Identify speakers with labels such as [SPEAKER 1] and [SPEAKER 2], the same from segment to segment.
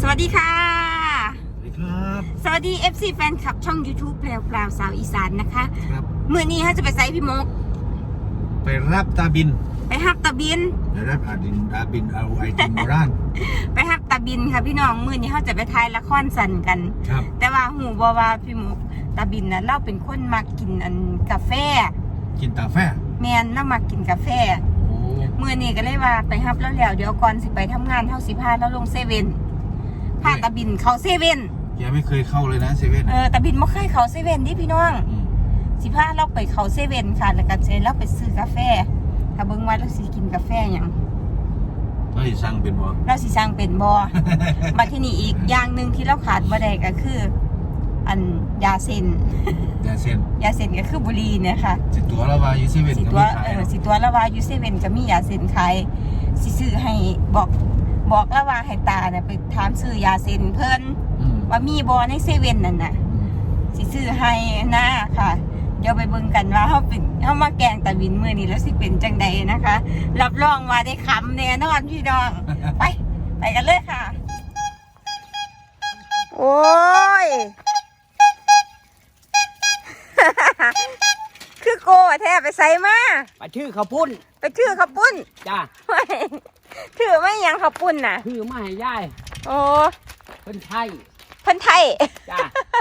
[SPEAKER 1] วัสดีค่ะ
[SPEAKER 2] สวัสดีครับ
[SPEAKER 1] สวัสดี FC แฟนคลับช่อง YouTube แพรวพราวสาวอีสานนะคะ
[SPEAKER 2] ครับ
[SPEAKER 1] เมื่อนี้เขาจะไปไซพี่มก
[SPEAKER 2] ไปรับตาบิน
[SPEAKER 1] ไปฮับตาบิน
[SPEAKER 2] ไปรับตาบินเอาไอติมโบราณ
[SPEAKER 1] ไปฮับตาบินค่ะพี่น้องมื่อนี้เขาจะไปถ่ายละครสันกัน
[SPEAKER 2] ครับ
[SPEAKER 1] แต่ว่าหูบอว่าพี่มกตาบินนะเราเป็นคนมากินกาแฟ
[SPEAKER 2] กินกาแฟ
[SPEAKER 1] แมนเรามากินกาแฟ
[SPEAKER 2] โอ้
[SPEAKER 1] มื่อนี้ก็เลยว่าไปฮับแล้วเดี๋ยวก่อนสิไปทำงานเท่า15แล้วลงเซเว่นพาตาบินเข้าเซเว่น
[SPEAKER 2] แกไม่เคยเข้าเลยนะเซเว่น
[SPEAKER 1] ตาบินไม่เคยเข้าเซเว่นดิพี่น้อง15เราไปเข้าเซเว่นค่ะแล้วก็เสร็จแล้วไปซื้อกาแฟถ้าเบิ่งว่าเราสิกินกาแฟหยัง
[SPEAKER 2] เราสิสั่งเป็นบ่
[SPEAKER 1] เราสิสั่งเป็นบ่ มาที่นี่อีกอย่างหนึ่งที่เราขาดบ่ได้ก็คือ ยาเส้น
[SPEAKER 2] แต่เส้น
[SPEAKER 1] ยาเส้นก็คือบุหรี่เนี่ยค่ะ
[SPEAKER 2] สิตัวละว่าอยู่เซเว่น
[SPEAKER 1] สิ
[SPEAKER 2] ก็
[SPEAKER 1] ตัว
[SPEAKER 2] มีขายเนาะ
[SPEAKER 1] สิตัวละว่าอยู่เซเว่นก็มียาเส้นขายสิซื้อให้บอกละว่าให้ตาเนี่ยไปถามซื้อยาเส้นเพิ่น
[SPEAKER 2] อืม
[SPEAKER 1] ว่ามีบ่ในเซเว่นนั่นน่ะ สิซื้อให้นะค่ะ เดี๋ยวไปเบิ่งกันว่าเขามาแกงตะวินมื้อนี้แล้วสิเป็นจังใดนะคะ รับรองว่าได้คำแน่นอนพี่น้อง ไปกันเลยค่ะ โอ้ย คือโกะแท้ไปใส่มา
[SPEAKER 3] ไปชื่อข้าวปุ้น
[SPEAKER 1] ไปชื่อข้าวปุ้น
[SPEAKER 3] จ้า
[SPEAKER 1] ถือไม่ยังข้าวปุ้นน่ะ
[SPEAKER 3] ชื่อมาให้ยาย
[SPEAKER 1] โอ้
[SPEAKER 3] เพิ่นไทย
[SPEAKER 1] เพิ่นไทย
[SPEAKER 3] จ้า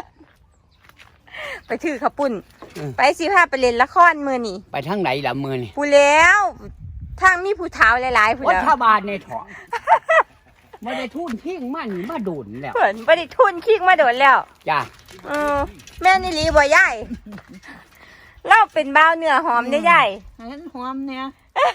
[SPEAKER 1] ไปถือข้าวปุ้น
[SPEAKER 3] อืม
[SPEAKER 1] ไปสิพาไปเล่นละครมื้อนี้
[SPEAKER 3] ไปทางไหนล่ะมือนี่
[SPEAKER 1] ผู้แล้วทางมีผู้เฒ่าหลายๆผู้
[SPEAKER 3] วั
[SPEAKER 1] แล้ว
[SPEAKER 3] ฒบาลในท้องไม่ได้ทุนทิ้งมันมาโดนแล้ว
[SPEAKER 1] เพิ่นบ่ได้ทุนคิกมาโดนแล้ว
[SPEAKER 3] จ้า
[SPEAKER 1] แม่นี่ลีบ่ยายเราเป็นบ้าวเนื้อหอมได้ยาย
[SPEAKER 4] งั้นหอมเนี่ย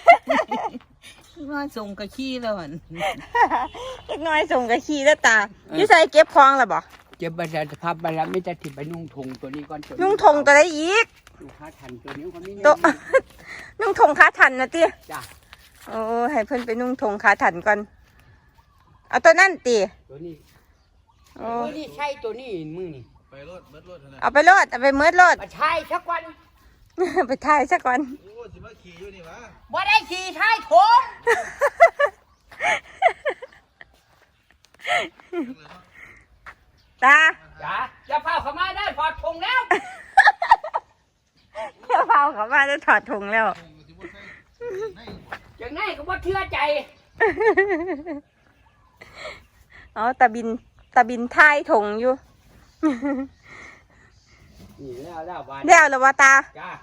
[SPEAKER 4] ว่าส่งกะขี้แล้วหั่น
[SPEAKER 1] เล็กน้อยส่งกะขี้แล้วตาอยู่ใส่เก็บของล่ะบ่
[SPEAKER 3] เจ็บประสาทภาพบาลไม่จะถิ่ไปนุ่งทงตัวนี้ก่อนตัว
[SPEAKER 1] นุ่งธงตัวใดอีก
[SPEAKER 3] ลูกค้าทันตัวนี้คนนี้
[SPEAKER 1] ตัว นุ่งธงขาถันนะติ
[SPEAKER 3] จ้า
[SPEAKER 1] โอ้ให้เพิ่นไปนุ่งธงขาถันก่อนเอาตัวนั่นติ
[SPEAKER 3] ตัวนี้
[SPEAKER 1] โอ้
[SPEAKER 3] ตัวนี้ใช่ตัวนี้มือนี่
[SPEAKER 2] ไปรถเบิดรถนะ
[SPEAKER 1] เอาไปโลดเอาไปเมิดโลด
[SPEAKER 3] มาใช่สักวัน
[SPEAKER 1] ไปถ่ายซะก่อน
[SPEAKER 2] โอ้สิมาขี่อยู่นี่วะ
[SPEAKER 3] ว่าได้ขี่ใช่ทง
[SPEAKER 1] ตา
[SPEAKER 3] จ้าจะเฝ้าเข้ามาได้พอทงแล้ว
[SPEAKER 1] เที่ยวเผาเขามาจะถอดธงแล้ว
[SPEAKER 3] อย่างนั้นก็ว่าเชื่อใจ
[SPEAKER 1] เอาตาบินท้ายธงอยู่
[SPEAKER 3] นี่แล้วบ้าน
[SPEAKER 1] แล้วเหรอวะตา
[SPEAKER 3] จ้า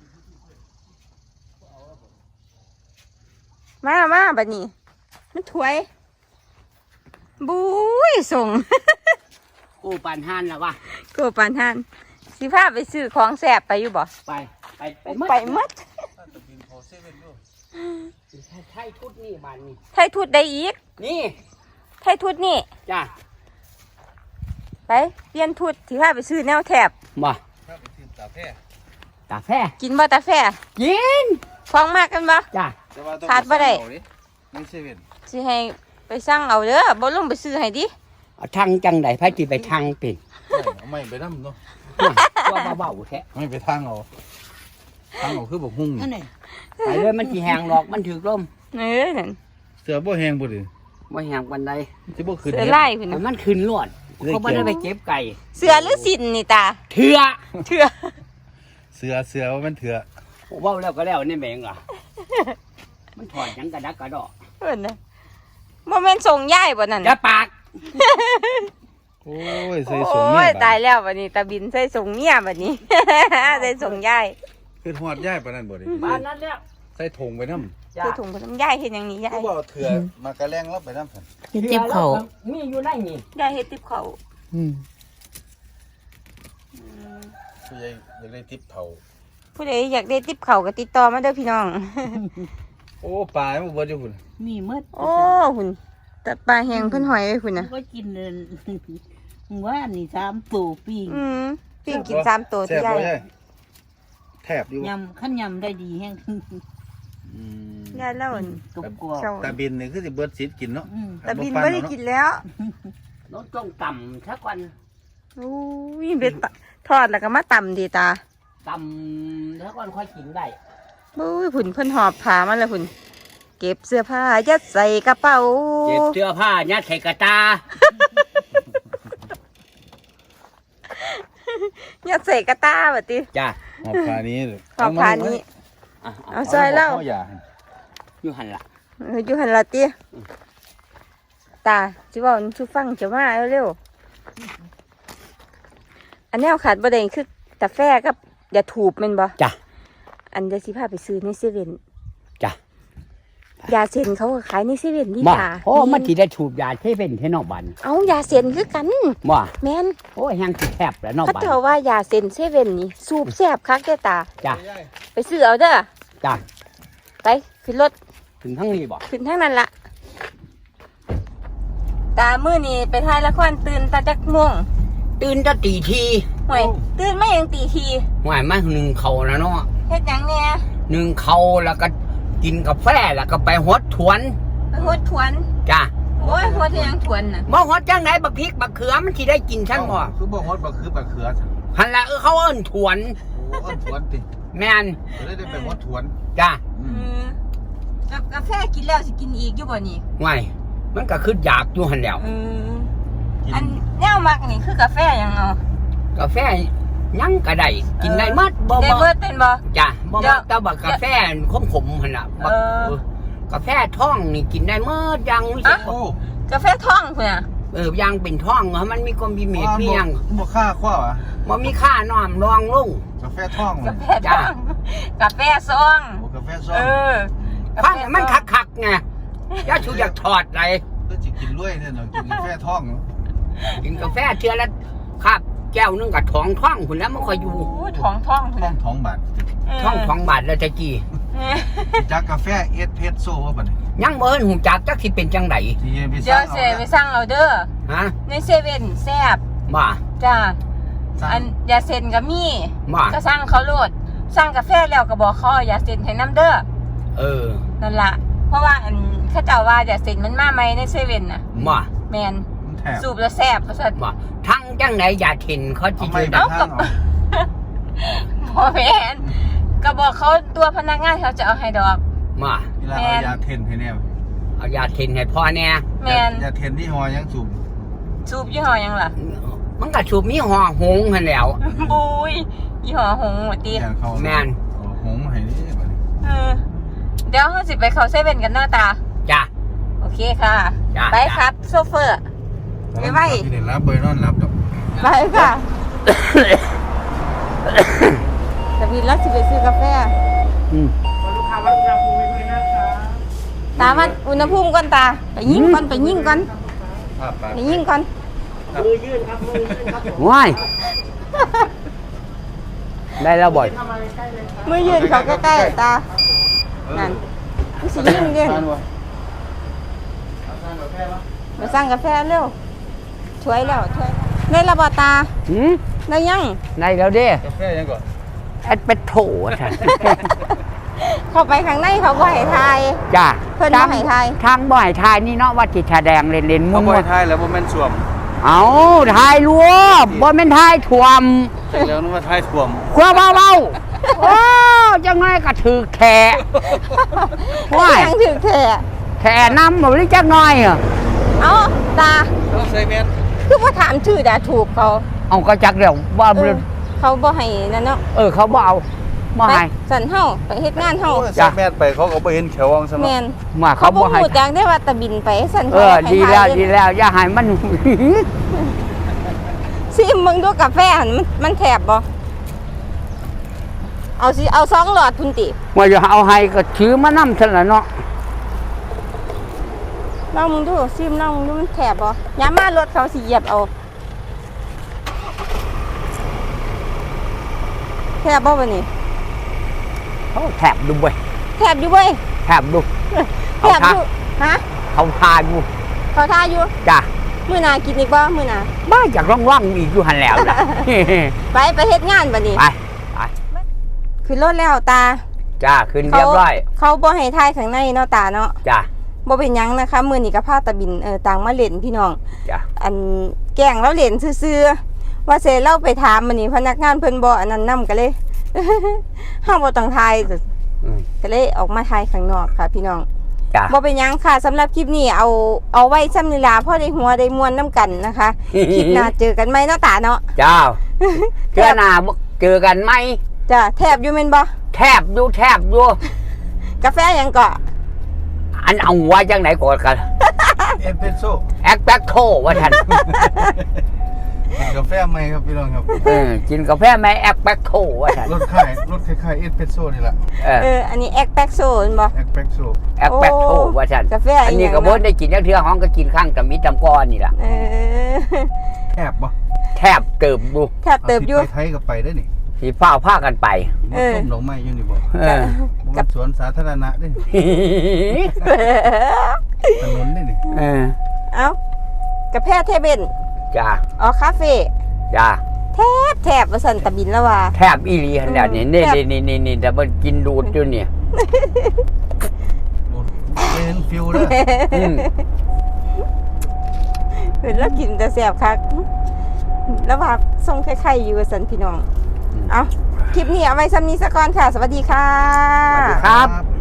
[SPEAKER 1] มาบัดนี้มันถวยบุ้ยส่ง
[SPEAKER 3] กูปานหันแล้ววะ
[SPEAKER 1] กูปานหันสิพาไปซื้อของแสบไปอยู่บ่
[SPEAKER 3] ไปหมด
[SPEAKER 1] ไปหมด
[SPEAKER 2] ตาบินขอเซเว่นด้วย
[SPEAKER 3] ใช่ทุดนี่บ้านนี้
[SPEAKER 1] ไทยทุดได้อีก
[SPEAKER 3] นี่
[SPEAKER 1] ไทยทุดนี่
[SPEAKER 3] จ้า
[SPEAKER 1] ไปเปลี่ยนทุดสิพาไปซื้อแนวแถบ
[SPEAKER 3] มา
[SPEAKER 2] ถ้าไปกินกาแฟ
[SPEAKER 3] กาแฟ
[SPEAKER 1] กินบ่ตาแฟ
[SPEAKER 3] ยิน
[SPEAKER 1] ฟ้องมากกันบ่
[SPEAKER 3] จ้า
[SPEAKER 2] แต่ว่าต้อง
[SPEAKER 1] ขาดบ่ได้
[SPEAKER 2] ในเซเว่น
[SPEAKER 1] สิให้ไปสั่งเอาเด้อบ่ลงไปซื้อให้ดิ
[SPEAKER 3] เอาทางจังไดไผที่ไปทางเป็น
[SPEAKER 2] เอาไม่ไปน้ำเนาะ
[SPEAKER 3] ว่าเบาๆแท้
[SPEAKER 2] ไม่ไปทางเอาทางเอาคือบอกหุ่ง
[SPEAKER 4] นั่นไง
[SPEAKER 3] ไปเลยมันสิแหงหรอกมันถือลม
[SPEAKER 1] นั่น
[SPEAKER 2] เสือบ่แหงบ่ดิ
[SPEAKER 3] บ่แหงปานใด
[SPEAKER 2] สิบ่ขึ้น
[SPEAKER 1] เสือไล่พุ่น
[SPEAKER 3] แต่
[SPEAKER 1] น่ะ
[SPEAKER 3] มันขึ้นรวดเขาบ่ได้ไปเก็บไก่
[SPEAKER 1] เสือหรือสินนี่ตา
[SPEAKER 3] เถื่อ
[SPEAKER 1] เถื่อ
[SPEAKER 2] เสือว่ามันเถื่อ
[SPEAKER 3] เว้าแล้วก็แล้วนี่แม่งล่ะมันถอดหยังกระดักกระดอก
[SPEAKER 1] เพิ่นน่ะบ่แม่นส่งยายบ่นั่น
[SPEAKER 3] อย่าปาก
[SPEAKER 2] โอ้ยใส่
[SPEAKER 1] โอ
[SPEAKER 2] สูงเนี่
[SPEAKER 1] ้ย
[SPEAKER 2] ย
[SPEAKER 1] ตายแล้วบัดนี้ตาบินใส่ส่งเมียบัดนี้ ใส่ส่งยาย
[SPEAKER 2] คือหอดย่ายปานนั้นบ่ดิ
[SPEAKER 3] บ้านนั้นแล้ว
[SPEAKER 2] ใส่ถุงไปน้ำ
[SPEAKER 3] จ้า
[SPEAKER 1] คือถุงขนมยายเฮ็ดหยังนี่ยา
[SPEAKER 2] ก็
[SPEAKER 1] ย
[SPEAKER 2] บ่เอาเถื่อมากระแลงรับไปน้ำสัน
[SPEAKER 3] จิบเขามีอยู่ในนี่
[SPEAKER 1] ยายเฮ็ดติบเขาว
[SPEAKER 2] ผู้ใหญ่อยากได้ทิปเผา
[SPEAKER 1] ผู้ใดอยากได้ติบเขาวก็ติดต่อมาเด้อพี่น้อง
[SPEAKER 2] โอ้ปลามันเบิดอยู่พุ่น
[SPEAKER 4] มีหมด
[SPEAKER 1] โอ้หุ่นแต่ปลาแห้งเพิ่นหอยไว้พุ่นน่ะ
[SPEAKER 4] ก็กินเลยว่านี่3ตัวปิ้ง
[SPEAKER 1] ปิ้งกิน3ตัว
[SPEAKER 2] แซ่
[SPEAKER 1] ที่
[SPEAKER 2] บ
[SPEAKER 1] ยาย
[SPEAKER 2] บ่ใช่แทบอยู่
[SPEAKER 4] ยำขั้นยำได้ดีแห้ง
[SPEAKER 2] อืม
[SPEAKER 1] ยายแล้วอั่น
[SPEAKER 4] กรุบกรอบ
[SPEAKER 1] เจ้า
[SPEAKER 2] ตาบินนี่คือสิเบิดสิทธิ์กินเนาะ
[SPEAKER 1] ตาบินบ่ได้กินแล้ว
[SPEAKER 3] รถต้องต่ำสักวัน
[SPEAKER 1] อู้ยเบ็ดทอดแล้วก็มาตำดีตา
[SPEAKER 3] ต่ำสักวันค่อยกินได้
[SPEAKER 1] บุ้ยหุ่นเพิ่นหอบผ้ามาแล้วหุ่นเก็บเสื้อผ้ายัดใส่กระเป๋า
[SPEAKER 3] เก็บเสื้อผ้ายัดใส่กระตา
[SPEAKER 1] อย่าใส่กระตาแบบติ
[SPEAKER 3] จ้า
[SPEAKER 2] หอบผ้านี้เลย
[SPEAKER 1] ขอบพานี้ เอาซอยเล่า
[SPEAKER 2] อย่า
[SPEAKER 3] อยู่หันละ
[SPEAKER 1] อยู่หันละติตาจิบอกชูฟังจะมาเร็วๆอันนี้เอาขาดประเด็นคือกาแฟกับอย่าถูบแมันบ่
[SPEAKER 3] จ้า
[SPEAKER 1] อันเดี๋ยวสิพาไปซื้อในเซเว่น
[SPEAKER 3] จ้าย
[SPEAKER 1] าเซ็นเขาก็ขายในเซเว่นดี
[SPEAKER 3] บ่
[SPEAKER 1] ตา
[SPEAKER 3] โอ้มันสิได้ถูกยาเทเป็นเทนอกบัน
[SPEAKER 1] เอายาเซ็นคือกัน
[SPEAKER 3] บ่
[SPEAKER 1] แม่น
[SPEAKER 3] โอ้ยแห้งสิแคบแล้วนอก
[SPEAKER 1] เขา
[SPEAKER 3] บัน
[SPEAKER 1] เจ้าว่ายาเซ็นเซเว่นนี่สูบแซ่บคักเด้อตา
[SPEAKER 3] จ้า
[SPEAKER 1] ไปซื้อเอาเด้อ
[SPEAKER 3] จ้า
[SPEAKER 1] ไปขึ้นรถ
[SPEAKER 3] ถึงทั้งนี้บ่
[SPEAKER 1] ขึ้นทั้งนั้นละตามื้อนี้ไปถ่ายละครตื่นตาจักม่วง
[SPEAKER 3] ตื่นจะตีที
[SPEAKER 1] ห่วยตื่นมายังตีที
[SPEAKER 3] หวายมาหนึ่งเขาแล้วเนาะ
[SPEAKER 1] เฮ็ดหยังเนี่ย
[SPEAKER 3] หนึ่งเขาแล้วก็กินกาแฟแล้วก็ไปฮดถวน
[SPEAKER 1] ไปหดถวน
[SPEAKER 3] จ้า
[SPEAKER 1] โอ้ยหดยังถวนน่ะ
[SPEAKER 3] บ่ฮดจังไหนบักพริกบักเขือมันสิได้กินชั้นบ่
[SPEAKER 2] คือบ่ฮอดบ่คือบ่เขือ
[SPEAKER 3] หันละเขาเอิ้นถวน
[SPEAKER 2] โอ้อ้อนถวนติ
[SPEAKER 3] แม่น
[SPEAKER 2] ได้ไปฮอดถวน
[SPEAKER 3] จ้า
[SPEAKER 1] กาแฟกินแล้วสิกินอีกอยู่บ่นี่
[SPEAKER 3] หวายมันก็คืออยากอยู่หันแล้ว
[SPEAKER 1] อันแนวมักนี่คือกาแฟหยังเอา
[SPEAKER 3] กาแฟยังก็ได้กินได้หมัดบ่
[SPEAKER 1] ได้
[SPEAKER 3] บ่
[SPEAKER 1] เบิดเป็นบ่
[SPEAKER 3] จ้ะบ่
[SPEAKER 1] เดี๋
[SPEAKER 3] มั
[SPEAKER 1] ยว
[SPEAKER 3] กแต่บักกาแฟขมๆหั่นน่ะบัก
[SPEAKER 1] เออ
[SPEAKER 3] กาแฟท้องนี่กินได้หมดยังรู้สึก
[SPEAKER 2] โอ้
[SPEAKER 1] กาแฟท้องพุ่นน่ะ
[SPEAKER 3] ยังเป็นท้องเหรอมันมีความมีเม็ดมีหยัง
[SPEAKER 2] บ่ค่าคว้าอ่ะ
[SPEAKER 3] บ่มีค่าน้อมรองลง
[SPEAKER 2] กาแฟท่อง
[SPEAKER 1] กาแฟท้องกาแฟซอง
[SPEAKER 2] โอ้กาแฟซ้อ
[SPEAKER 1] เออ
[SPEAKER 3] ฟังให้มันคักๆไงอย่าชูอยากถอดไร
[SPEAKER 2] ก็สิกินรวยเนี่ยเนาะกินกาแฟท่อง
[SPEAKER 3] กินกาแฟเทื่อละคาบแก้วนึงกับท้องพุ่นแล้วมันค่อยอยู่
[SPEAKER 1] โอ้ยท้องพุ่นน่ะ
[SPEAKER 2] ท้องบาท
[SPEAKER 3] ท้องบาทแล้วตะกี้
[SPEAKER 2] จากกาแฟเอสเพรสโซ่ว่าบัดนี้
[SPEAKER 3] ยังบ่เห็นหูจักจักสิเป็นจังได
[SPEAKER 2] ที่ไป
[SPEAKER 1] เดี๋ยวเสไปสั่งเอาเด้อ
[SPEAKER 3] ฮะ
[SPEAKER 1] ในเซเว่นแซ่บ
[SPEAKER 3] บ่
[SPEAKER 1] จ้า
[SPEAKER 2] สั่ง
[SPEAKER 1] อันยาเซ็นก็มี
[SPEAKER 3] บ่
[SPEAKER 1] ก็สั่งเขาโลดสั่งกาแฟแล้วก็บอกเขาเอายาเซ็นให้น้ำเด้อ
[SPEAKER 3] เออ
[SPEAKER 1] นั่นล่ะเพราะว่าอันเขาเจ้าว่ายาเซ็นมันมาใหม่ในเซเว่นน่ะ
[SPEAKER 3] บ่
[SPEAKER 1] แมน
[SPEAKER 2] มันแถบ
[SPEAKER 1] สูบแล้วแซ่บเพราะฉะนั้น
[SPEAKER 3] บ่ทั้งจังไหนอย่าเห็นเขาสิ
[SPEAKER 2] เอาไม่
[SPEAKER 3] ชื่อ
[SPEAKER 2] ไป
[SPEAKER 3] ดัง
[SPEAKER 2] ทางเอา
[SPEAKER 1] พอแมนก็บอกเขาตัวพนักงานเขาจะเอาให้ดอก
[SPEAKER 3] บ่
[SPEAKER 2] เวลาเอายาเทนให้แน่
[SPEAKER 3] เอาอย่าเห็นให้พ่อแน่
[SPEAKER 1] แมน
[SPEAKER 2] ยาเทนที่หอยังสูบ
[SPEAKER 1] สูบยี่ห้อหยังล่ะ
[SPEAKER 3] มันก็สูบมีห่อหงหั่นแหล้ว
[SPEAKER 1] บุยยี่ห้อหงหมดตี
[SPEAKER 2] ยาเขา
[SPEAKER 3] แม่น
[SPEAKER 2] หงมาให้นี่บัดนี้
[SPEAKER 1] เดี๋ยวเขาสิไปเขาเซเว่นกันหน้าตา
[SPEAKER 3] จ้ะ
[SPEAKER 1] โอเคค่ะ
[SPEAKER 3] จ้ะ
[SPEAKER 1] ไปครับโซเฟอร์ ไปไว้
[SPEAKER 2] ที่เด็ดรับเบอร์นอนรับดอก
[SPEAKER 1] ไปค่ะแต่วินรักสิไปซื้อกาแฟ
[SPEAKER 3] อืม
[SPEAKER 1] ตามันอุณหภูมิก่อนตา ไปยิงก่อนไปยิงก่อน
[SPEAKER 2] ภาพปาก
[SPEAKER 1] ไปยิงก่อน
[SPEAKER 3] ว้ายได้แล้วบ่อย
[SPEAKER 1] มือยืนเขาใกล้ๆตา นั่นมันสิยิงเด้
[SPEAKER 2] ทานวะ
[SPEAKER 1] มาสั่งกาแฟเร็วช่วยแล้วช่วยได้ระบาตา
[SPEAKER 3] หืม
[SPEAKER 1] ได้ยัง
[SPEAKER 3] ได้แล้วเด้
[SPEAKER 2] กาแฟยังก่อน
[SPEAKER 3] แอดเป็ดโถท่าน
[SPEAKER 1] เข้าไปข้างในเขาบ่ให้ทาย
[SPEAKER 3] จ้ะ
[SPEAKER 1] เพิ่นบ่ให้ทาย
[SPEAKER 3] ทางบ่ให้ทายนี่เนาะว่าจิตแสดงเล่นๆ
[SPEAKER 2] เขา
[SPEAKER 3] มุ่
[SPEAKER 2] บ่
[SPEAKER 3] ว
[SPEAKER 2] ให้ทายแล้วบ่แม่นสวม
[SPEAKER 3] ๆเอาทายรวบบ่แม่นทายถ่วม
[SPEAKER 2] แต่แล้วนึกว่าทายสวม
[SPEAKER 3] ครัวเบาๆโอ้จังไงก็ถือแขะ ว้าย
[SPEAKER 1] ยังถือแท้
[SPEAKER 3] แขะน้ำบ่หรือจักหน่อยอ่ะ
[SPEAKER 1] เอาตา
[SPEAKER 2] ต้องใส่แมส
[SPEAKER 1] คือบ่ถามชื่อดาถูกเขา
[SPEAKER 3] เอาก็จักเดี๋ยวว่า
[SPEAKER 1] เขาบ่ให้นั่นเนาะ
[SPEAKER 3] เขาบ่เอาบ่
[SPEAKER 1] ไป
[SPEAKER 3] ให้
[SPEAKER 1] สั่นเฮาไปเฮ็ดงานเฮา
[SPEAKER 2] ใส่แมสไปเขาก็บ่เห็นแขววองซะ
[SPEAKER 1] แม่
[SPEAKER 2] เนาะ
[SPEAKER 1] น
[SPEAKER 3] มา
[SPEAKER 1] เขา
[SPEAKER 3] เขา
[SPEAKER 1] บ่
[SPEAKER 3] บ่ให้
[SPEAKER 1] ฮู้จักได้ว่าตะบินไปสั่น
[SPEAKER 3] ดีแล้วดีแล้วอย่าให้มัน
[SPEAKER 1] ซิมึงดูกาแฟหั่นมันแถบบ่เอาสิเอา2หลอดพุ่นติ
[SPEAKER 3] ว่าจะเอาให้ก็ถือมานำซั่นล่ะเนาะ
[SPEAKER 1] ลองมึงดูซิมลองมึงดูมันแถบบ่ยามมารถเขาสิเหยียบเอาแถบบ่บัดนี้
[SPEAKER 3] เขาแถบดูเว้ย
[SPEAKER 1] แถบอยู่เว้ย
[SPEAKER 3] แถบดู
[SPEAKER 1] แถบอยู่ฮะ
[SPEAKER 3] เขาทาอยู่
[SPEAKER 1] เขาท่าอยู่
[SPEAKER 3] จ้ะ
[SPEAKER 1] มื้อหน้ากินอีกบ่มื้อหน้า
[SPEAKER 3] บ้าอยากร่องๆอีกอยู่หั่นแล้วล่ะ
[SPEAKER 1] ไปเฮ็ดงานบัดนี้
[SPEAKER 3] ไป
[SPEAKER 1] ขึ้นรถแล้วตา
[SPEAKER 3] จ้าขึ้นเรียบร้อย
[SPEAKER 1] เขาบ่ให้ถ่ายข้างในเนาะตาเนาะ
[SPEAKER 3] จ้า
[SPEAKER 1] บ่เป็นหยังนะคะมื้อนี้ก็พาตะบินต่างมาเล่นพี่น้อง
[SPEAKER 3] จ้า
[SPEAKER 1] อันแกล้งเราเล่นซื่อๆว่าเสเราไปถามมื้อนี้พนักงานเพิ่นบ่อันนั้นนํก็เลย เฮาบ่ต้องถ่ายก็เลยออกมาถ่ายข้างนอกค่ะ พี่น้อง
[SPEAKER 3] จ้า
[SPEAKER 1] บ่เป็นหยังค่ะสำหรับคลิปนี้เอาไว้ซ้ำนี่ล่ะพอได้หัวได้มวนนํกันนะคะ คลิปหน้าเจอกันใหม่เนาะตาเนาะ
[SPEAKER 3] จ้าเชื่อหน้าเจอกันไหม
[SPEAKER 1] จ้ะแทบอยู่แม่นบ่
[SPEAKER 3] แทบอยู่
[SPEAKER 1] กาแฟหยังก็
[SPEAKER 3] อันเอาหัวจังไหนก่อนกัน
[SPEAKER 2] เอสเปรสโซ่
[SPEAKER 3] แอคแบคโทว่าท่าน
[SPEAKER 2] กินกาแฟไหมครับพี่น้องครับ
[SPEAKER 3] กินกาแฟไหมแอคแบคโทว่าท่าน
[SPEAKER 2] รถคล้ายเอสเปรสโซ่นี่แหละ
[SPEAKER 1] อันนี้แอคแบ็กโซนบ่
[SPEAKER 2] เอสเปรสโซ่
[SPEAKER 3] แอคแบคโทว่าท่าน
[SPEAKER 1] กาแฟ
[SPEAKER 3] อันนี้ก็บ่ได้กินจักเทื่อห้องก็กินข้างตะมิตำก้อนนี่ล่ะ
[SPEAKER 2] แทบบ่
[SPEAKER 3] แทบเติบดู
[SPEAKER 1] แทบเติบอยู่
[SPEAKER 2] ไปไทยก็ไปได้นี่
[SPEAKER 3] สีฟ้าผ้ากันไป
[SPEAKER 2] มันต้มดอกไม้อยู่นี่บ่
[SPEAKER 3] เออ
[SPEAKER 2] มันสวนสาธารณะได้นี่ถนนได้นี่
[SPEAKER 1] เอ้ากาแฟเทเบน
[SPEAKER 3] จ้า
[SPEAKER 1] อ๋อคาเฟ่
[SPEAKER 3] จ้า
[SPEAKER 1] แทบว่าสันตะบินแล้วว่า
[SPEAKER 3] แทบอีหลีขนาดนี้นี่แต่มันกินดูดอยู่เนี่ย
[SPEAKER 2] เป็นฟิวเด้อ
[SPEAKER 3] อืม
[SPEAKER 1] เห็นแล้วกินแต่แสบคักแล้วว่าทรงไข่ๆอยู่ว่าสันพี่น้อง เอาคลิปนี้เอาไว้ซ้ำนี้ซะก่อนค่ะ สวัสดีค่ะ
[SPEAKER 3] ครับ